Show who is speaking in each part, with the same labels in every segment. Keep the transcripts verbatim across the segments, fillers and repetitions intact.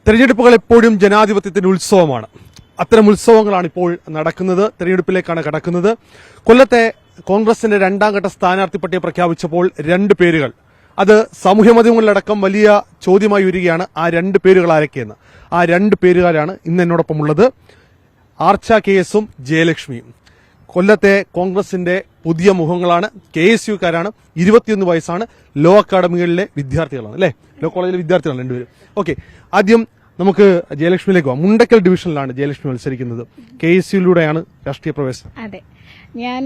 Speaker 1: തെരഞ്ഞെടുപ്പുകൾ എപ്പോഴും ജനാധിപത്യത്തിന്റെ ഉത്സവമാണ്. അത്തരം ഉത്സവങ്ങളാണ് ഇപ്പോൾ നടക്കുന്നത്. തെരഞ്ഞെടുപ്പിലേക്കാണ് കടക്കുന്നത്. കൊല്ലത്തെ കോൺഗ്രസിന്റെ രണ്ടാം ഘട്ട സ്ഥാനാർത്ഥി പട്ടിക പ്രഖ്യാപിച്ചപ്പോൾ രണ്ട് പേരുകൾ, അത് സാമൂഹ്യ മാധ്യമങ്ങളിലടക്കം വലിയ ചോദ്യമായി വരികയാണ്. ആ രണ്ട് പേരുകൾ ആരൊക്കെയെന്ന്. ആ രണ്ട് പേരുകാരാണ് ഇന്ന് എന്നോടൊപ്പം ഉള്ളത്. ആർച്ച കെ എസും ജയലക്ഷ്മിയും. കൊല്ലത്തെ കോൺഗ്രസിന്റെ പുതിയ മുഖങ്ങളാണ്. K S യുക്കാരാണ്. ഇരുപത്തിയൊന്ന് വയസ്സാണ്. ലോ അക്കാഡമികളിലെ വിദ്യാർത്ഥികളാണ് അല്ലെ, ലോ കോളേജിലെ വിദ്യാർത്ഥികളാണ് രണ്ടുപേരും. ഓക്കെ, ആദ്യം നമുക്ക് ജയലക്ഷ്മിയിലേക്ക് പോകാം. മുണ്ടക്കൽ ഡിവിഷനിലാണ് ജയലക്ഷ്മി മത്സരിക്കുന്നത്. കെ എസ് യുയിലൂടെയാണ് രാഷ്ട്രീയ പ്രവേശനം.
Speaker 2: അതെ, ഞാൻ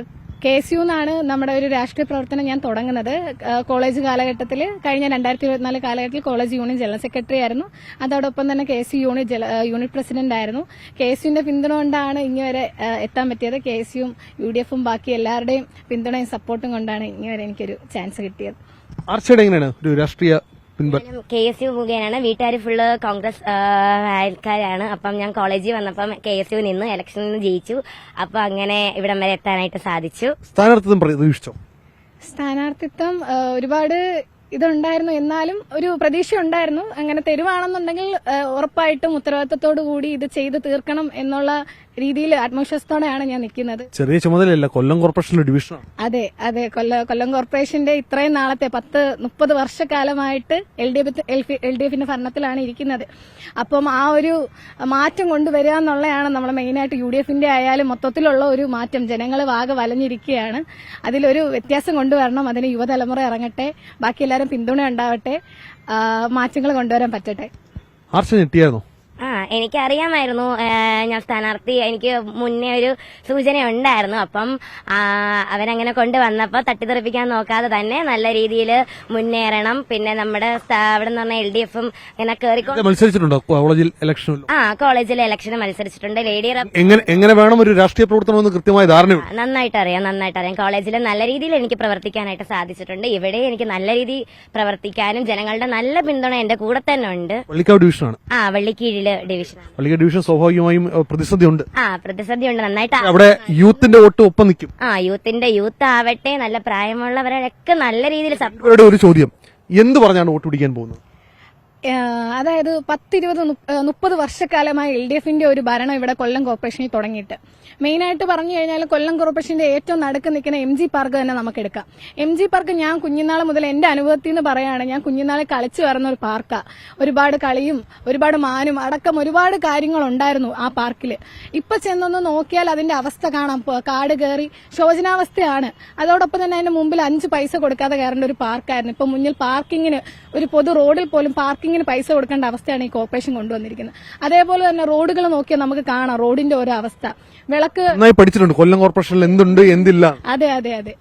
Speaker 2: കെ എസ് യു എന്നാണ് നമ്മുടെ ഒരു രാഷ്ട്രീയ പ്രവർത്തനം ഞാൻ തുടങ്ങുന്നത്. കോളേജ് കാലഘട്ടത്തിൽ കഴിഞ്ഞ രണ്ടായിരത്തി ഇരുപത്തിനാല് കാലഘട്ടത്തിൽ കോളേജ് യൂണിയൻ ജനറൽ സെക്രട്ടറി ആയിരുന്നു. അതോടൊപ്പം തന്നെ K S U unit unit president ആയിരുന്നു. കെ എസ് യുവിന്റെ പിന്തുണ കൊണ്ടാണ് ഇങ്ങുവരെ എത്താൻ പറ്റിയത്. കെ എസ് യുവും യു ഡി എഫും ബാക്കി എല്ലാവരുടെയും പിന്തുണയും സപ്പോർട്ടും കൊണ്ടാണ് ഇങ്ങുവരെ എനിക്കൊരു ചാൻസ് കിട്ടിയത്.
Speaker 1: ആർച്ചയുടെ എങ്ങനെയാണ് ഒരു രാഷ്ട്രീയ
Speaker 3: കെ എസ് യു മുഖേനാണ്. വീട്ടുകാർ ഫുള്ള് കോൺഗ്രസ് ആൾക്കാരാണ്. അപ്പം ഞാൻ കോളേജിൽ വന്നപ്പം കെ എസ് യു നിന്ന് ഇലക്ഷനിൽ നിന്ന് ജയിച്ചു. അപ്പൊ അങ്ങനെ ഇവിടം വരെ എത്താനായിട്ട് സാധിച്ചു.
Speaker 1: സ്ഥാനാർത്ഥിത്വം പ്രതീക്ഷിച്ചോ?
Speaker 2: സ്ഥാനാർത്ഥിത്വം ഒരുപാട് ഇതുണ്ടായിരുന്നു, എന്നാലും ഒരു പ്രതീക്ഷ ഉണ്ടായിരുന്നു. അങ്ങനെ തരുവാണെന്നുണ്ടെങ്കിൽ ഉറപ്പായിട്ടും ഉത്തരവാദിത്തത്തോടു കൂടി ഇത് ചെയ്ത് തീർക്കണം എന്നുള്ള രീതിയിൽ ആത്മവിശ്വാസത്തോടെയാണ് ഞാൻ നിൽക്കുന്നത്.
Speaker 1: ചെറിയ ചുമതലയല്ല, കൊല്ലം കോർപ്പറേഷനിലെ ഡിവിഷനാണ്.
Speaker 2: അതെ അതെ, കൊല്ലം കൊല്ലം കോർപ്പറേഷന്റെ ഇത്രയും നാളത്തെ പത്ത് മുപ്പത് വർഷക്കാലമായിട്ട് L D F L D എഫിന്റെ ഭരണത്തിലാണ് ഇരിക്കുന്നത്. അപ്പം ആ ഒരു മാറ്റം കൊണ്ടുവരിക എന്നുള്ളതാണ് നമ്മൾ മെയിനായിട്ട്. യു ഡി എഫിന്റെ ആയാലും മൊത്തത്തിലുള്ള ഒരു മാറ്റം. ജനങ്ങൾ വാഗ വലഞ്ഞിരിക്കുകയാണ്. അതിലൊരു വ്യത്യാസം കൊണ്ടുവരണം. അതിന് യുവതലമുറ ഇറങ്ങട്ടെ, ബാക്കി എല്ലാവരും പിന്തുണ ഉണ്ടാവട്ടെ, മാറ്റങ്ങൾ കൊണ്ടുവരാൻ പറ്റട്ടെ.
Speaker 1: ആർച്ച ഞെട്ടിയായിരുന്നോ?
Speaker 3: ആ എനിക്കറിയാമായിരുന്നു ഞാൻ സ്ഥാനാർത്ഥി. എനിക്ക് മുന്നേ ഒരു സൂചന ഉണ്ടായിരുന്നു. അപ്പം അവരങ്ങനെ കൊണ്ടുവന്നപ്പോൾ തട്ടിത്തെറിപ്പിക്കാൻ നോക്കാതെ തന്നെ നല്ല രീതിയിൽ മുന്നേറണം. പിന്നെ നമ്മുടെ അവിടെ നിന്ന് പറഞ്ഞ എൽ ഡി എഫും ഇങ്ങനെ കയറിക്കൊണ്ട്
Speaker 1: മത്സരിച്ചിട്ടുണ്ടോ കോളേജിൽ ഇലക്ഷൻ?
Speaker 3: ആ കോളേജിലെ ഇലക്ഷന് മത്സരിച്ചിട്ടുണ്ട്. ലേഡി
Speaker 1: എങ്ങനെ വേണം ഒരു രാഷ്ട്രീയ പ്രവർത്തനം കൃത്യമായ ധാരണ
Speaker 3: നന്നായിട്ട് അറിയാം നന്നായിട്ട് അറിയാം കോളേജിൽ നല്ല രീതിയിൽ എനിക്ക് പ്രവർത്തിക്കാനായിട്ട് സാധിച്ചിട്ടുണ്ട്. ഇവിടെ എനിക്ക് നല്ല രീതിയിൽ പ്രവർത്തിക്കാനും ജനങ്ങളുടെ നല്ല പിന്തുണ എന്റെ കൂടെ തന്നെ ഉണ്ട്.
Speaker 1: വള്ളിക്കാവ് ഡിവിഷനാണ്.
Speaker 3: ആ വള്ളിക്കീഴില് ഡിവിഷൻ.
Speaker 1: വള്ളിക്കാവ് ഡിവിഷൻ സ്വാഭാവികമായും പ്രതിസന്ധി ഉണ്ട്.
Speaker 3: ആ പ്രതിസന്ധി ഉണ്ട് നന്നായിട്ട്.
Speaker 1: അവിടെ യൂത്തിന്റെ വോട്ട് ഒപ്പം നിൽക്കും.
Speaker 3: ആ യൂത്തിന്റെ യൂത്ത് ആവട്ടെ, നല്ല പ്രായമുള്ളവരൊക്കെ നല്ല രീതിയിൽ.
Speaker 1: ഒരു ചോദ്യം, എന്ത് പറഞ്ഞാണ് വോട്ട് പിടിക്കാൻ പോകുന്നത്?
Speaker 2: അതായത് പത്തിരുപത് മുപ്പത് വർഷക്കാലമായി എൽ ഡി എഫിന്റെ ഒരു ഭരണം ഇവിടെ കൊല്ലം കോർപ്പറേഷനിൽ തുടങ്ങിയിട്ട്. മെയിനായിട്ട് പറഞ്ഞു കഴിഞ്ഞാൽ കൊല്ലം കോർപ്പറേഷന്റെ ഏറ്റവും നടുക്ക് നിൽക്കുന്ന എം ജി പാർക്ക് തന്നെ നമുക്ക് എടുക്കാം. എം ജി പാർക്ക് ഞാൻ കുഞ്ഞുനാൾ മുതൽ എന്റെ അനുഭവത്തിൽ നിന്ന് പറയുകയാണ്, ഞാൻ കുഞ്ഞുനാളെ കളിച്ചു വരുന്ന ഒരു പാർക്കാ. ഒരുപാട് കളിയും ഒരുപാട് മാനും അടക്കം ഒരുപാട് കാര്യങ്ങൾ ഉണ്ടായിരുന്നു ആ പാർക്കിൽ. ഇപ്പൊ ചെന്നൊന്ന് നോക്കിയാൽ അതിന്റെ അവസ്ഥ കാണാം. കാട് കയറി ശോചനാവസ്ഥയാണ്. അതോടൊപ്പം തന്നെ അതിന്റെ മുമ്പിൽ അഞ്ച് പൈസ കൊടുക്കാതെ കയറേണ്ട ഒരു പാർക്കായിരുന്നു. ഇപ്പൊ മുന്നിൽ പാർക്കിങ്ങിന് ഒരു പൊതു റോഡിൽ പോലും പാർക്കിംഗ് ഇങ്ങനെ പൈസ കൊടുക്കേണ്ട അവസ്ഥയാണ് ഈ കോർപ്പറേഷൻ കൊണ്ടുവന്നിരിക്കുന്നത്. അതേപോലെ തന്നെ റോഡുകൾ നോക്കിയാൽ നമുക്ക് കാണാം റോഡിന്റെ ഓരോ അവസ്ഥ. വിളക്ക്
Speaker 1: പഠിച്ചിട്ടുണ്ട് കൊല്ലം കോർപ്പറേഷനിൽ എന്തുണ്ട് എന്തില്ല.
Speaker 2: അതെ അതെ അതെ.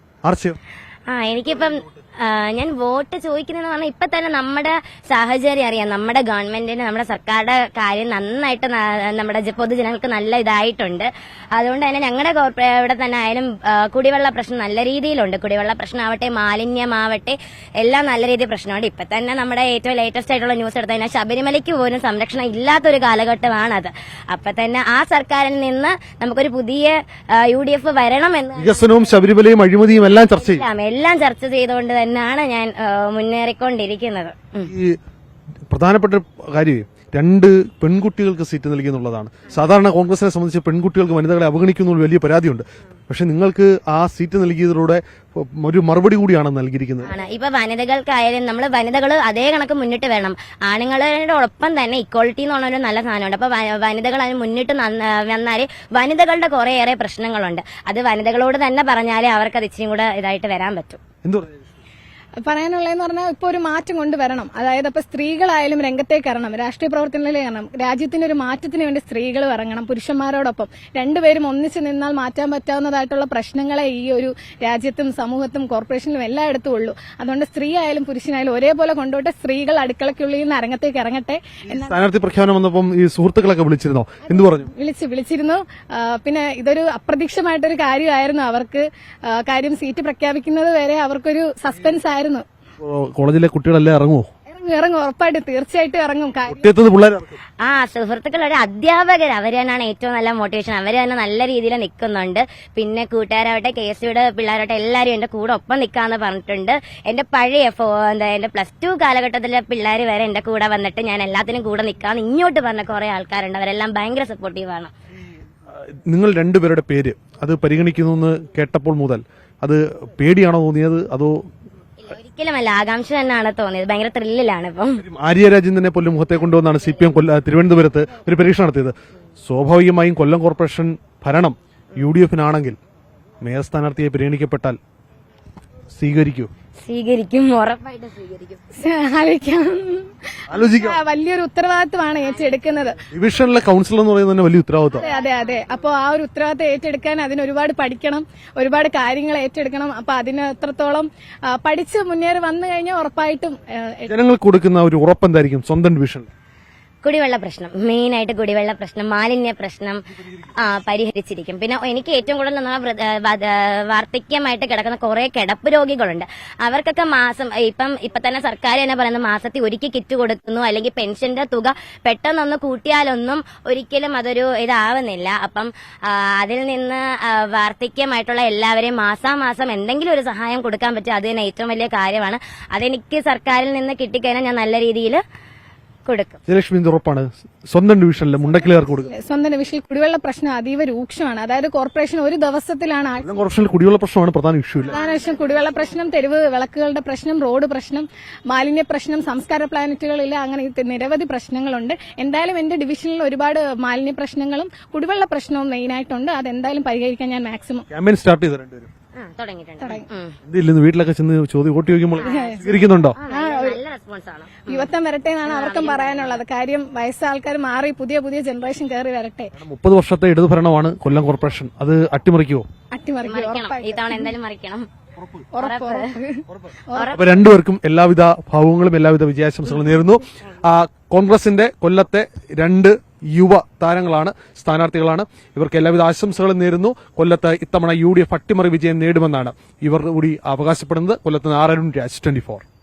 Speaker 3: ആ എനിക്കിപ്പം ഞാൻ വോട്ട് ചോദിക്കുന്നതെന്ന് പറഞ്ഞാൽ ഇപ്പൊ തന്നെ നമ്മുടെ സാഹചര്യം അറിയാം. നമ്മുടെ ഗവൺമെന്റിന് നമ്മുടെ സർക്കാരുടെ കാര്യം നന്നായിട്ട് നമ്മുടെ പൊതുജനങ്ങൾക്ക് നല്ല ഇതായിട്ടുണ്ട്. അതുകൊണ്ട് തന്നെ ഞങ്ങളുടെ ഇവിടെ തന്നെ ആയാലും കുടിവെള്ള പ്രശ്നം നല്ല രീതിയിലുണ്ട്. കുടിവെള്ള പ്രശ്നമാവട്ടെ, മാലിന്യമാവട്ടെ, എല്ലാം നല്ല രീതിയിൽ പ്രശ്നമുണ്ട്. ഇപ്പൊ തന്നെ നമ്മുടെ ഏറ്റവും ലേറ്റസ്റ്റ് ആയിട്ടുള്ള ന്യൂസ് എടുത്തു കഴിഞ്ഞാൽ ശബരിമലയ്ക്ക് പോലും സംരക്ഷണം ഇല്ലാത്തൊരു കാലഘട്ടമാണത്. അപ്പൊ തന്നെ ആ സർക്കാരിൽ നിന്ന് നമുക്കൊരു പുതിയ യു ഡി എഫ് വരണമെന്ന്
Speaker 1: വികസനവും ശബരിമലയും അഴിമതിയും എല്ലാം ചർച്ച ചെയ്യും
Speaker 3: എല്ലാം ചർച്ച ചെയ്തുകൊണ്ട് തന്നെയാണ് ഞാൻ മുന്നേറിക്കൊണ്ടിരിക്കുന്നത്.
Speaker 1: ഈ പ്രധാനപ്പെട്ട കാര്യം രണ്ട് പെൺകുട്ടികൾക്ക് സീറ്റ് നൽകി എന്നുള്ളതാണ്. സാധാരണ കോൺഗ്രസിനെ സംബന്ധിച്ച് പെൺകുട്ടികൾക്ക് വനിതകളെ അവഗണിക്കുന്ന വലിയ പരാതിയുണ്ട്. പക്ഷെ നിങ്ങൾക്ക് ആ സീറ്റ് നൽകിയതിലൂടെ ഒരു മറുപടി കൂടിയാണ് നൽകിയിരിക്കുന്നത്.
Speaker 3: ഇപ്പൊ വനിതകൾക്കായാലും നമ്മൾ വനിതകൾ അതേ കണക്ക് മുന്നിട്ട് വരണം. ആണുങ്ങളോടൊപ്പം തന്നെ ഇക്വാളിറ്റി എന്ന് പറഞ്ഞൊരു നല്ല സാധനമുണ്ട്. അപ്പൊ വനിതകൾ അതിന് മുന്നിട്ട് വന്നാല് വനിതകളുടെ കുറേയേറെ പ്രശ്നങ്ങളുണ്ട്. അത് വനിതകളോട് തന്നെ പറഞ്ഞാലേ അവർക്ക് അത് ഇച്ചിരി കൂടെ ഇതായിട്ട് വരാൻ പറ്റും.
Speaker 1: എന്തു
Speaker 2: പറയാനുള്ളതെന്ന് പറഞ്ഞാൽ ഇപ്പൊ ഒരു മാറ്റം കൊണ്ടുവരണം. അതായത് ഇപ്പൊ സ്ത്രീകളായാലും രംഗത്തേക്ക് ഇറങ്ങണം, രാഷ്ട്രീയ പ്രവർത്തനങ്ങളിൽ ഇറങ്ങണം. രാജ്യത്തിന്റെ ഒരു മാറ്റത്തിന് വേണ്ടി സ്ത്രീകൾ ഇറങ്ങണം. പുരുഷന്മാരോടൊപ്പം രണ്ടുപേരും ഒന്നിച്ചു നിന്നാൽ മാറ്റാൻ പറ്റാവുന്നതായിട്ടുള്ള പ്രശ്നങ്ങളെ ഈ ഒരു രാജ്യത്തും സമൂഹത്തും കോർപ്പറേഷനിലും എല്ലായിടത്തും ഉള്ളൂ. അതുകൊണ്ട് സ്ത്രീ ആയാലും പുരുഷനായാലും ഒരേപോലെ കൊണ്ടുപോട്ടെ. സ്ത്രീകൾ അടുക്കളയ്ക്കുള്ളിൽ നിന്ന് അരങ്ങത്തേക്ക് ഇറങ്ങട്ടെ.
Speaker 1: സ്ഥാനാർത്ഥി പ്രഖ്യാപനം വന്നപ്പം ഈ സുഹൃത്തുക്കളൊക്കെ വിളിച്ചിരുന്നോ? എന്ത് പറഞ്ഞു?
Speaker 2: വിളിച്ചു വിളിച്ചിരുന്നു പിന്നെ ഇതൊരു അപ്രതീക്ഷിതമായിട്ടൊരു കാര്യമായിരുന്നു അവർക്ക്. കാര്യം സീറ്റ് പ്രഖ്യാപിക്കുന്നത് വരെ അവർക്കൊരു സസ്പെൻസ് ആയിരുന്നു.
Speaker 1: കോളേജിലെ കുട്ടികളെല്ലാം ഇറങ്ങുമോ?
Speaker 2: ഇറങ്ങും, ഉറപ്പായിട്ടും തീർച്ചയായിട്ടും ഇറങ്ങും. കാര്യം
Speaker 1: ഒറ്റത്തത് പിള്ളേർ ഇറക്കും.
Speaker 3: ആ സുഹൃത്തുക്കൾ ഒരു അധ്യാപകർ അവർ തന്നെയാണ് ഏറ്റവും നല്ല മോട്ടിവേഷൻ. അവർ തന്നെ നല്ല രീതിയിൽ നിൽക്കുന്നുണ്ട്. പിന്നെ കൂട്ടുകാരാവട്ടെ കെ എസ് യുടെ പിള്ളേരാവട്ടെ എല്ലാവരും എന്റെ കൂടെ ഒപ്പം നിൽക്കാന്ന് പറഞ്ഞിട്ടുണ്ട്. എന്റെ പഴയ ഫോ എന്താ എന്റെ പ്ലസ് ടു കാലഘട്ടത്തിലെ പിള്ളേർ വരെ എന്റെ കൂടെ വന്നിട്ട് ഞാൻ എല്ലാത്തിനും കൂടെ നിൽക്കാന്ന് ഇങ്ങോട്ട് പറഞ്ഞ കുറെ ആൾക്കാരുണ്ട്. അവരെല്ലാം ഭയങ്കര സപ്പോർട്ടീവാണ്.
Speaker 1: നിങ്ങൾ രണ്ടുപേരുടെ പേര് അത് പരിഗണിക്കുന്നു എന്ന് കേട്ടപ്പോൾ മുതൽ അത് പേടിയാണോ തോന്നിയത് അതോ
Speaker 3: ഒരിക്കലുമല്ല, ആകാംക്ഷ തന്നെയാണ് തോന്നിയത്. ഭയങ്കര ത്രില്ലിലാണ് ഇപ്പം.
Speaker 1: ആര്യ രാജേന്ദ്രനെ പോലും മുഖത്തെ കൊണ്ടുവന്നാണ് സി പി എം തിരുവനന്തപുരത്ത് ഒരു പരീക്ഷ നടത്തിയത്. സ്വാഭാവികമായും കൊല്ലം കോർപ്പറേഷൻ ഭരണം യു ഡി എഫിനാണെങ്കിൽ മേയർ സ്ഥാനാർത്ഥിയെ പരിഗണിക്കപ്പെട്ടാൽ സ്വീകരിക്കൂ?
Speaker 3: സ്വീകരിക്കും, ഉറപ്പായിട്ട് സ്വീകരിക്കും.
Speaker 2: ആലോചിക്കാം.
Speaker 1: ആലോചിക്കാം.
Speaker 2: ആ, വലിയൊരു ഉത്തരവാദിത്വമാണ് ഏറ്റെടുക്കുന്നത്.
Speaker 1: ഡിവിഷനിലെ കൌൺസിലർ എന്ന് പറയുന്നത് തന്നെ വലിയ ഉത്തരവാദിത്വം.
Speaker 2: അതെ അതെ അതെ അപ്പൊ ആ ഒരു ഉത്തരവാദിത്തം ഏറ്റെടുക്കാൻ അതിന് ഒരുപാട് പഠിക്കണം, ഒരുപാട് കാര്യങ്ങൾ ഏറ്റെടുക്കണം. അപ്പൊ അതിന് എത്രത്തോളം ആ, പഠിച്ച് മുന്നേറി വന്നു കഴിഞ്ഞാൽ ഉറപ്പായിട്ടും ആ,
Speaker 1: ജനങ്ങൾക്ക് കൊടുക്കുന്ന ഒരു ഉറപ്പെന്തായിരിക്കും സ്വന്തം ഡിവിഷനിൽ?
Speaker 3: കുടിവെള്ള പ്രശ്നം, മെയിൻ ആയിട്ട് കുടിവെള്ള പ്രശ്നം, മാലിന്യ പ്രശ്നം ആ പരിഹരിച്ചിരിക്കും. പിന്നെ എനിക്ക് ഏറ്റവും കൂടുതൽ നമ്മളെ വൃ- ഏ, വ- ഏ, വാർദ്ധക്യമായിട്ട് കിടക്കുന്ന കുറെ കിടപ്പ് രോഗികളുണ്ട്. അവർക്കൊക്കെ മാസം ഇപ്പം ഇപ്പൊ തന്നെ സർക്കാർ തന്നെ പറയുന്നത് മാസത്തിൽ ഒരിക്കൽ കിറ്റ് കൊടുക്കുന്നു, അല്ലെങ്കിൽ പെൻഷന്റെ തുക പെട്ടെന്നൊന്ന് കൂട്ടിയാലൊന്നും ഒരിക്കലും അതൊരു ഇതാവുന്നില്ല. അപ്പം ആ, അതിൽ നിന്ന് ആ, വാർദ്ധക്യമായിട്ടുള്ള എല്ലാവരെയും മാസാമാസം എന്തെങ്കിലും ഒരു സഹായം കൊടുക്കാൻ പറ്റും. അത് തന്നെ ഏറ്റവും വലിയ കാര്യമാണ്. അതെനിക്ക് സർക്കാരിൽ നിന്ന് കിട്ടിക്കഴിഞ്ഞാൽ ഞാൻ നല്ല രീതിയിൽ കൊടുക്കും.
Speaker 1: ജയലക്ഷ്മി ഉറപ്പാണ് സ്വന്തം ഡിവിഷനിൽ മുണ്ടക്കിലുകാർക്ക് കൊടുക്കുക.
Speaker 2: സ്വന്തം ഡിവിഷനിൽ കുടിവെള്ള പ്രശ്നം അതീവ രൂക്ഷമാണ്. അതായത് കോർപ്പറേഷൻ ഒരു ദിവസത്തിലാണ് ആ-
Speaker 1: കൊല്ലം കോർപ്പറേഷനിൽ കുടിവെള്ള പ്രശ്നമാണ് പ്രധാന ഇഷ്യൂ. ഇല്ല
Speaker 2: പ്രധാന വിഷയം കുടിവെള്ള പ്രശ്നം, തെരുവ് വിളക്കുകളുടെ പ്രശ്നം, റോഡ് പ്രശ്നം, മാലിന്യ പ്രശ്നം, സംസ്കാര പ്ലാനറ്റുകളില്ല, അങ്ങനെ ഇത് നിരവധി പ്രശ്നങ്ങളുണ്ട്. എന്തായാലും എന്റെ ഡിവിഷനിൽ ഒരുപാട് മാലിന്യ പ്രശ്നങ്ങളും കുടിവെള്ള പ്രശ്നവും മെയിനായിട്ടുണ്ട്. അതെന്തായാലും പരിഹരിക്കാൻ ഞാൻ മാക്സിമം
Speaker 1: ക്യാമ്പയിൻ സ്റ്റാർട്ട് ചെയ്ത രണ്ടുപേരും
Speaker 3: ആ, തുടങ്ങിയിട്ടുണ്ട്. ഉം.
Speaker 1: എന്തില്ലെന്ന് വീട്ടിലൊക്കെ ചെന്ന് ചോദ്യം വോട്ട് ചോദിക്കുമ്പോൾ സ്വീകരിക്കുന്നുണ്ടോ?
Speaker 3: ആ, നല്ല- നല്ല റെസ്പോൺസ് ആണ്.
Speaker 2: യുവത്വം വരട്ടെ എന്നാണ് അവർക്കും പറയാനുള്ളത്. കാര്യം വയസ്സായ ആൾക്കാർ മാറി പുതിയ പുതിയ ജനറേഷൻ കയറി വരട്ടെ.
Speaker 1: മുപ്പത് വർഷത്തെ ഇടതു ഭരണമാണ് കൊല്ലം കോർപ്പറേഷൻ. അത് അട്ടിമറിക്കുവോ?
Speaker 2: അട്ടിമറിക്കും,
Speaker 3: മറിക്കണം, ഈ തവണ എന്തായാലും മറിക്കണം.
Speaker 2: ഉറപ്പ് ഉറപ്പ്.
Speaker 1: അപ്പൊ രണ്ടുപേർക്കും എല്ലാവിധ ഭാവങ്ങളും എല്ലാവിധ വിജയാശംസകളും നേരുന്നു. ആ, കോൺഗ്രസിന്റെ കൊല്ലത്തെ രണ്ട് യുവ താരങ്ങളാണ്, സ്ഥാനാർത്ഥികളാണ്. ഇവർക്ക് എല്ലാവിധ ആശംസകളും നേരുന്നു. കൊല്ലത്ത് ഇത്തവണ യു ഡി എഫ് അട്ടിമറി വിജയം നേടുമെന്നാണ് ഇവർ കൂടി അവകാശപ്പെടുന്നത്. കൊല്ലത്ത് നാരായണൻ രാജ്, ട്വന്റി ഫോർ.